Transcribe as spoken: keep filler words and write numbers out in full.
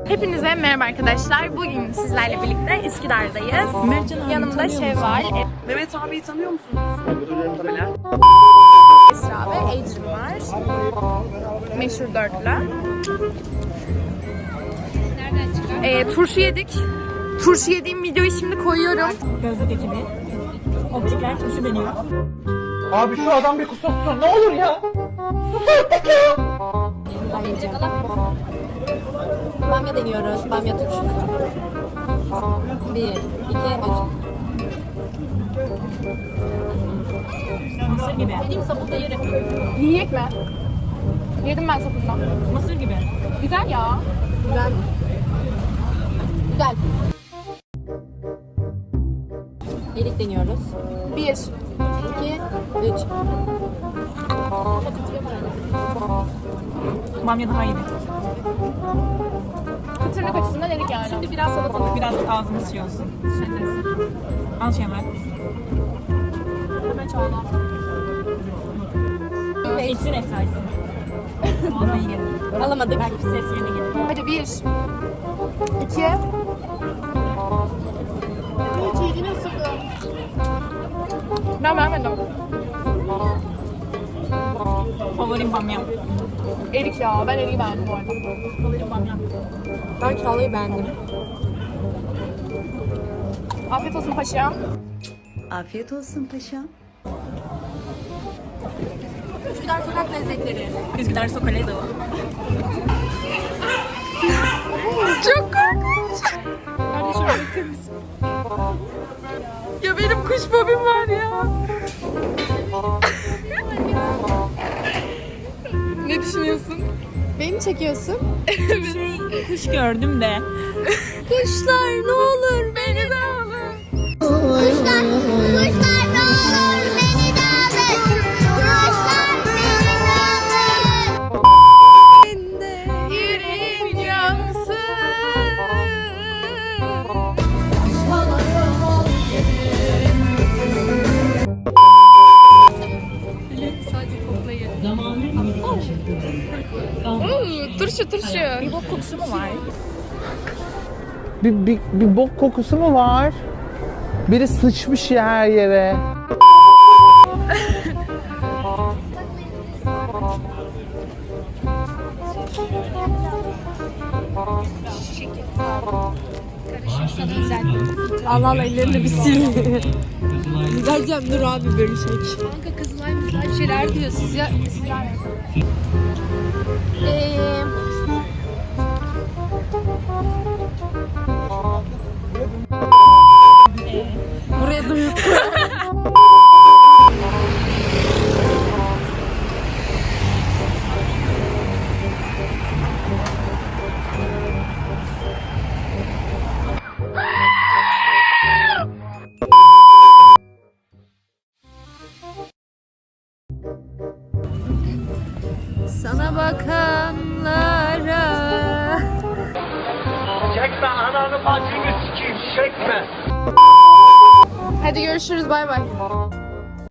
Hepinize merhaba arkadaşlar. Bugün sizlerle birlikte Üsküdar'dayız. Yanımda Şevval, Mehmet abiyi tanıyor musunuz? Esra ve Ecrin var. Meşhur dörtlü. Ee, turşu yedik. Turşu yediğim videoyu şimdi koyuyorum. Gözlük ekibi. Optikler turşu deniyor. Abi şu adam bir kusursun ne olur ya. Bamya deniyoruz. Bamya turşusu. Bir, iki, üç. Mısır gibi. Benim sapında yerim. Yiyecek mi? Yedim ben sapından. Mısır gibi. Güzel ya. Güzel. Güzel. Erik deniyoruz. Bir. İki, üç. Bamya daha iyi. Kıtırlık açısından erik yani. Şimdi biraz salatalık, biraz ağzımız şey olsun. Al Şevval. Hemen çağla. İçsin efsayesi. Ağzına iyi gelir. Alamadık. Belki ses yerine gelir. Hadi bir. İki. Hiç yediğini ısırdım. Ben vermedim. Favorim bamya. Erik ya. Ben eriği beğendim bu arada. Favorim bamya. Ben çağlayı beğendim. Afiyet olsun paşam. Afiyet olsun paşam. Üsküdar sokak lezzetleri. Üsküdar sokak lezzetleri. Çok korkunç. Kardeşim bakar mısın? Ya benim kuş fobim var ya. Ne düşünüyorsun? Beni çekiyorsun. Şey, kuş gördüm de. Kuşlar ne olur beni de alın. Kuşlar, kuşlar ne olur beni de alın. Kuşlar beni de alın. Yüreğim yansın. Hmm, turşu turşu. Bir bok kokusu mu var? Bir, bir, bir bok kokusu mu var? Biri sıçmış ya her yere. Allah Allah ellerini bir sil. Güzelcem dur abi bölüşek. Kanka kızılay mızılay bir şeyler diyor siz ya. Sizler Eee... Buraya duyup sana bakanlara. Çekme ananı bacını sikeyim çekme. Hadi görüşürüz bay bay.